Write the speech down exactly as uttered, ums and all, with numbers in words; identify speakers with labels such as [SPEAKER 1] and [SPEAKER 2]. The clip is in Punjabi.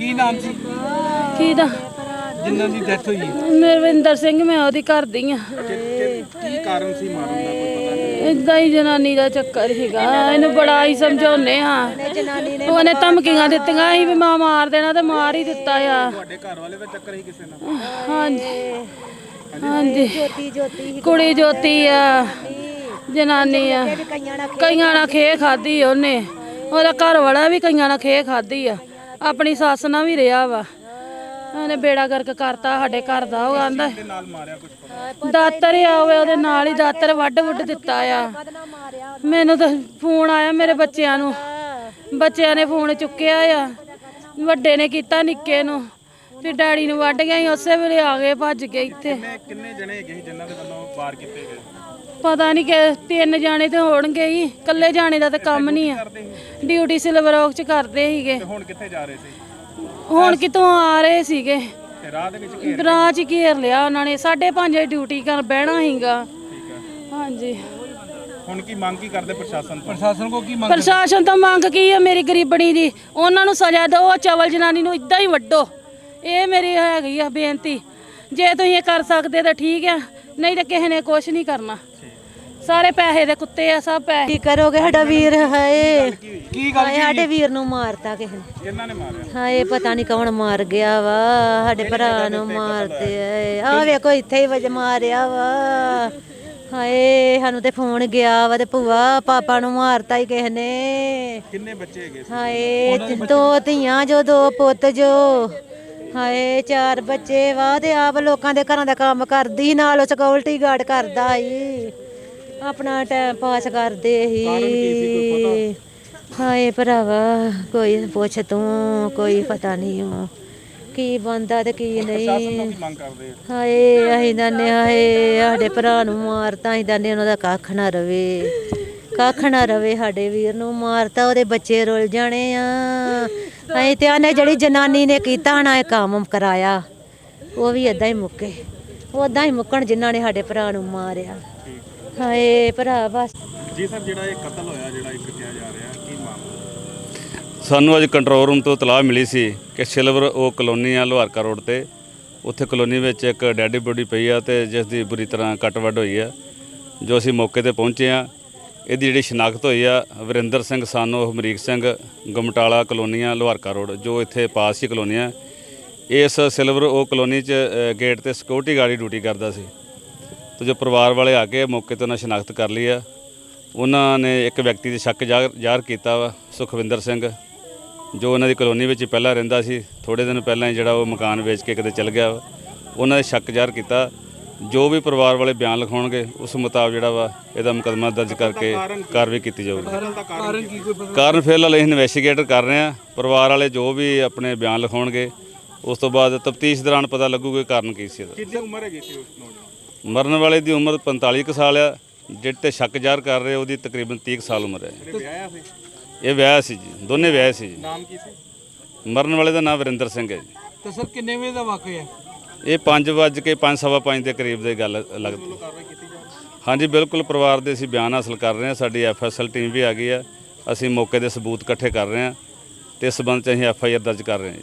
[SPEAKER 1] ਕੀ ਨਾਮ ਸੀ
[SPEAKER 2] ਕੀ ਦਾ
[SPEAKER 1] ਜਿਨ੍ਹਾਂ ਦੀ ਡੈਥ ਹੋਈ?
[SPEAKER 2] ਨਰਵਿੰਦਰ ਸਿੰਘ, ਮੈਂ ਉਹਦੀ ਘਰ ਦੀ ਆ।
[SPEAKER 1] ਕੀ ਕਾਰਨ ਸੀ ਮਾਰਨ ਦਾ, ਕੋਈ ਪਤਾ ਨਹੀਂ?
[SPEAKER 2] ਇਦਾਂ ਹੀ ਜਨਾਨੀ ਦਾ ਚੱਕਰ ਸੀਗਾ। ਇਹਨੂੰ ਬੜਾ ਹੀ ਸਮਝਾਉਨੇ ਆ, ਉਹਨੇ ਧਮਕੀਆਂ ਦਿੱਤੀਆਂ ਸੀ ਵੀ ਮਾਂ ਮਾਰ ਦੇਣਾ ਤੇ ਮਾਰ ਹੀ ਦਿੱਤਾ ਆ।
[SPEAKER 1] ਤੁਹਾਡੇ ਘਰ ਵਾਲੇ ਦਾ ਚੱਕਰ ਹੀ ਕਿਸੇ ਨਾਲ?
[SPEAKER 2] ਹਾਂਜੀ ਹਾਂਜੀ, ਕੁੜੀ ਜੋਤੀ ਆ, ਜਨਾਨੀ ਆ। ਕਈਆਂ ਨਾਲ ਖੇ ਖਾਦੀ ਉਹਨੇ, ਉਹਦਾ ਘਰ ਵਾਲਾ ਵੀ ਕਈਆਂ ਨਾਲ ਖੇ ਖਾਦੀ ਆ, ਆਪਣੀ ਸੱਸ ਨਾਲ ਵੀ ਰਿਹਾ ਵਾ। ਉਹਨੇ ਬੇੜਾ ਗਰਕ ਕਰਤਾ ਸਾਡੇ ਘਰ ਦਾ। ਉਹ ਆਂਦਾ ਦਾਤਰ ਆ ਹੋਵੇ, ਉਹਦੇ ਨਾਲ ਹੀ ਦਾਤਰ ਵੱਢ ਵੁੱਢ ਦਿੱਤਾ ਆ। ਮੈਨੂੰ ਤਾਂ ਫੋਨ ਆਇਆ ਮੇਰੇ ਬੱਚਿਆਂ ਨੂੰ, ਬੱਚਿਆਂ ਨੇ ਫੋਨ ਚੁੱਕਿਆ ਆ, ਵੱਡੇ ਨੇ ਕੀਤਾ ਨਿੱਕੇ ਨੂੰ, ਫਿਰ ਡੈਡੀ ਨੂੰ ਵੱਢ ਗਿਆ। ਉਸੇ ਵੇਲੇ ਆ ਗਏ ਭੱਜ ਕੇ ਇੱਥੇ।
[SPEAKER 1] ਕਿੰਨੇ ਜਣੇ ਹੈਗੇ ਸੀ ਜਿਨ੍ਹਾਂ ਦੇ ਵੱਲੋਂ ਵਾਰ ਕੀਤੇ ਗਏ?
[SPEAKER 2] ਪਤਾ ਨਹੀਂ ਕਿ ਤਿੰਨ ਜਾਣੇ ਤੇ ਹੋਣਗੇ ਹੀ, ਇਕੱਲੇ ਜਾਣੇ ਦਾ ਤਾਂ ਕੰਮ ਨਹੀਂ ਆ। ਡਿਊਟੀ ਸਿਲਵਰ ਔਕ ਚ ਕਰਦੇ ਸੀਗੇ।
[SPEAKER 1] ਹੁਣ ਕਿੱਥੇ ਜਾ ਰਹੇ ਸੀ?
[SPEAKER 2] ਹੁਣ ਕਿਤੋਂ ਆ ਰਹੇ ਸੀਗੇ,
[SPEAKER 1] ਰਾਹ ਦੇ ਵਿੱਚ
[SPEAKER 2] ਰਾਹ ਚ ਘੇਰ ਲਿਆ ਉਹਨਾਂ ਨੇ। ਸਾਢੇ ਪੰਜ ਵਜੇ ਡਿਊਟੀ ਕਰ ਬਹਿਣਾ ਸੀਗਾ। ਹਾਂਜੀ,
[SPEAKER 1] ਹੁਣ ਕੀ ਮੰਗ ਕੀ ਕਰਦੇ ਪ੍ਰਸ਼ਾਸਨ ਤੋਂ? ਪ੍ਰਸ਼ਾਸਨ ਕੋ ਕੀ ਮੰਗ?
[SPEAKER 2] ਪ੍ਰਸ਼ਾਸਨ ਤੋਂ ਮੰਗ ਕੀ ਆ ਮੇਰੀ ਗਰੀਬਣੀ ਦੀ? ਉਹਨਾਂ ਨੂੰ ਸਜ਼ਾ ਦਿਓ, ਚਵਲ ਜਨਾਨੀ ਨੂੰ ਇਦਾਂ ਹੀ ਵੱਢੋ। ਇਹ ਮੇਰੀ ਹੈਗੀ ਆ ਬੇਨਤੀ। ਜੇ ਤੁਸੀਂ ਇਹ ਕਰ ਸਕਦੇ ਤਾਂ ਠੀਕ ਆ, ਨਹੀਂ ਤਾਂ ਕਿਸੇ ਨੇ ਕੁਛ ਨਹੀਂ ਕਰਨਾ। ਸਾਰੇ ਪੈਸੇ ਦੇ ਕੁੱਤੇ ਆ, ਸਭ ਪੈਸੇ।
[SPEAKER 3] ਕੀ ਕਰੋਗੇ? ਸਾਡਾ ਵੀਰ ਹਾਏ,
[SPEAKER 1] ਕੀ ਗੱਲ?
[SPEAKER 3] ਸਾਡੇ ਵੀਰ ਨੂੰ ਮਾਰਤਾ ਕਿਸੇ ਨੇ।
[SPEAKER 1] ਕਿਹਨਾਂ ਨੇ ਮਾਰਿਆ?
[SPEAKER 3] ਹਾਏ ਪਤਾ ਨਹੀਂ ਕੌਣ ਮਾਰ ਗਿਆ ਵਾ, ਸਾਡੇ ਭਰਾ ਨੂੰ ਮਾਰਦੇ ਆਏ। ਆ ਵੇਖੋ ਇੱਥੇ ਹੀ ਵਜ ਮਾਰਿਆ ਵਾ। ਹਾਏ ਸਾਨੂੰ ਤੇ ਫੋਨ ਗਿਆ ਵਾ ਤੇ ਭੂਆ ਪਾਪਾ ਨੂੰ ਮਾਰਤਾ ਹੀ ਕਿਸੇ ਨੇ।
[SPEAKER 1] ਕਿੰਨੇ ਬੱਚੇ ਹੈਗੇ?
[SPEAKER 3] ਹਾਏ ਦੋ ਧੀਆਂ ਜੋ, ਦੋ ਪੁੱਤ ਜੋ। ਹਾਏ ਚਾਰ ਬੱਚੇ ਵਾ ਤੇ ਆਪ ਲੋਕਾਂ ਦੇ ਘਰਾਂ ਦਾ ਕੰਮ ਕਰਦੀ, ਨਾਲ ਸਿਕਿਉਰਿਟੀ ਗਾਰਡ ਕਰਦਾ ਸੀ, ਆਪਣਾ ਟਾਈਮ ਪਾਸ ਕਰਦੇ ਸੀ। ਹਾਏ ਭਰਾਵਾ ਕੋਈ ਪੁੱਛ ਤੂੰ, ਕੋਈ ਪਤਾ ਨਹੀਂ ਉਹ ਕੀ ਬੰਦਾ ਤੇ ਕੀ ਨਹੀਂ। ਹਾਏ ਅਸੀਂ ਦੰਨੇ, ਹਾਏ ਸਾਡੇ ਭਰਾ ਨੂੰ ਮਾਰਤਾ, ਅਸੀਂ ਦੰਨੇ ਉਹਨਾਂ ਦਾ ਕੱਖ ਨਾ ਰਵੇ, ਕੱਖ ਨਾ ਰਵੇ। ਸਾਡੇ ਵੀਰ ਨੂੰ ਮਾਰਤਾ, ਉਹਦੇ ਬੱਚੇ ਰੁੱਲ ਜਾਣੇ ਆ। ਅਸੀਂ ਤੇ ਆਨੇ ਜਿਹੜੀ ਜਨਾਨੀ ਨੇ ਕੀਤਾ ਨਾ ਇਹ ਕੰਮ ਕਰਾਇਆ, ਉਹ ਵੀ ਏਦਾਂ ਹੀ ਮੁੱਕੇ, ਉਦਾਂ ਹੀ ਮੁੱਕਣ ਜਿਨ੍ਹਾਂ ਨੇ ਸਾਡੇ ਭਰਾ ਨੂੰ ਮਾਰਿਆ। ਹਾਏ ਭਰਾ ਬਸ
[SPEAKER 1] ਜੀ ਸਰ, ਜਿਹੜਾ ਇਹ ਕਤਲ ਹੋਇਆ, ਜਿਹੜਾ ਇੱਕ ਕਿਹਾ ਜਾ ਰਿਹਾ, ਕੀ ਮਾਮਲਾ?
[SPEAKER 4] ਸਾਨੂੰ ਅੱਜ ਕੰਟਰੋਲ ਰੂਮ ਤੋਂ ਇਤਲਾਹ ਮਿਲੀ ਸੀ ਕਿ ਸਿਲਵਰ ਉਹ ਕਲੋਨੀ ਆ ਲੋਹਾਰਕਾ ਰੋਡ ਤੇ, ਉੱਥੇ ਕਲੋਨੀ ਵਿੱਚ ਇੱਕ ਡੈਡੀ ਬੋਡੀ ਪਈ ਆ ਤੇ ਜਿਸ ਦੀ ਬੁਰੀ ਤਰ੍ਹਾਂ ਕੱਟ ਵੱਢ ਹੋਈ ਆ। ਜੋ ਅਸੀਂ ਮੌਕੇ ਤੇ ਪਹੁੰਚੇ ਆ, ਇਹਦੀ ਜਿਹੜੀ ਸ਼ਨਾਖਤ ਹੋਈ ਆ ਵਰਿੰਦਰ ਸਿੰਘ ਸਾਨੋ ਹਮਰੀਕ ਸਿੰਘ, ਗਮਟਾਲਾ ਕਲੋਨੀਆਂ ਲੋਹਾਰਕਾ ਰੋਡ, ਜੋ ਇੱਥੇ ਪਾਸ ਹੀ ਕਲੋਨੀ ਆ। ਇਸ ਸਿਲਵਰ ਉਹ ਕਲੋਨੀ 'ਚ ਗੇਟ ਤੇ ਸਿਕਿਉਰਿਟੀ ਗਾਰਡ ਡਿਊਟੀ ਕਰਦਾ ਸੀ। ਤੇ ਜੋ ਪਰਿਵਾਰ ਵਾਲੇ ਆ ਕੇ ਮੌਕੇ 'ਤੇ ਉਹਨਾਂ ਸ਼ਨਾਖਤ ਕਰ ਲਈ ਆ। ਉਹਨਾਂ ਨੇ ਇੱਕ ਵਿਅਕਤੀ ਦੇ ਸ਼ੱਕ ਜ਼ਾਹਰ ਕੀਤਾ ਵਾ, ਸੁਖਵਿੰਦਰ ਸਿੰਘ, ਜੋ ਉਹਨਾਂ ਦੀ ਕਲੋਨੀ ਵਿੱਚ ਪਹਿਲਾਂ ਰਹਿੰਦਾ ਸੀ। ਥੋੜ੍ਹੇ ਦਿਨ ਪਹਿਲਾਂ ਹੀ ਜਿਹੜਾ ਉਹ ਮਕਾਨ ਵੇਚ ਕੇ ਕਿਤੇ ਚਲ ਗਿਆ ਵਾ। ਉਹਨਾਂ ਦੇ ਸ਼ੱਕ ਜ਼ਾਹਰ ਕੀਤਾ। ਜੋ ਵੀ ਪਰਿਵਾਰ ਵਾਲੇ ਬਿਆਨ ਲਿਖਾਉਣਗੇ ਉਸ ਮੁਤਾਬਕ ਜਿਹੜਾ ਵਾ ਇਹਦਾ ਮੁਕੱਦਮਾ ਦਰਜ ਕਰਕੇ ਕਾਰਵਾਈ ਕੀਤੀ ਜਾਊਗੀ। ਕਾਰਨ ਫਿਲਹਾਲ ਅਸੀਂ ਇਨਵੈਸਟੀਗੇਟ ਕਰ ਰਹੇ ਹਾਂ। ਪਰਿਵਾਰ ਵਾਲੇ ਜੋ ਵੀ ਆਪਣੇ ਬਿਆਨ ਲਿਖਾਉਣਗੇ ਉਸ ਤੋਂ ਬਾਅਦ ਤਫਤੀਸ਼ ਦੌਰਾਨ ਪਤਾ ਲੱਗੂਗਾ ਕਾਰਨ ਕੀ ਸੀ ਇਹਦਾ।
[SPEAKER 1] ਕਿੰਨੀ ਉਮਰ ਹੈਗੀ ਸੀ ਉਸ ਨੌਜਵਾਨ?
[SPEAKER 4] ਮਰਨ ਵਾਲੇ ਦੀ ਉਮਰ ਪੰਤਾਲੀ ਕੁ ਸਾਲ ਆ, ਜਿਹੜੇ ਤੇ ਸ਼ੱਕ ਜ਼ਾਹਰ ਕਰ ਰਹੇ ਉਹਦੀ ਤਕਰੀਬਨ ਤੀਹ ਕੁ ਸਾਲ ਉਮਰ ਹੈ। ਇਹ ਵਿਆਹ ਸੀ ਜੀ, ਦੋਨੇ ਵਿਆਹ ਸੀ ਜੀ।
[SPEAKER 1] ਨਾਮ ਕੀ ਸੀ
[SPEAKER 4] ਮਰਨ ਵਾਲੇ ਦਾ ਨਾਮ ਵਰਿੰਦਰ ਸਿੰਘ ਹੈ ਜੀ।
[SPEAKER 1] ਤੇ ਸਰ ਕਿੰਨੇ ਵਜੇ ਦਾ ਵਾਕਿਆ ਹੈ
[SPEAKER 4] ਇਹ? ਪੰਜ ਵੱਜ ਕੇ ਪੰਜ ਸਵਾ ਪੰਜ ਦੇ ਕਰੀਬ ਦੀ ਗੱਲ ਲੱਗਦੀ। ਹਾਂਜੀ ਬਿਲਕੁਲ, ਪਰਿਵਾਰ ਦੇ ਅਸੀਂ ਬਿਆਨ ਹਾਸਲ ਕਰ ਰਹੇ ਹਾਂ। ਸਾਡੀ ਐਫ ਐਸ ਐਲ ਟੀਮ ਵੀ ਆ ਗਈ ਆ। ਅਸੀਂ ਮੌਕੇ ਦੇ ਸਬੂਤ ਇਕੱਠੇ ਕਰ ਰਹੇ ਹਾਂ ਤੇ ਇਸ ਸੰਬੰਧ 'ਚ ਅਸੀਂ ਐਫ ਆਈ ਆਰ ਦਰਜ ਕਰ ਰਹੇ ਹਾਂ ਜੀ।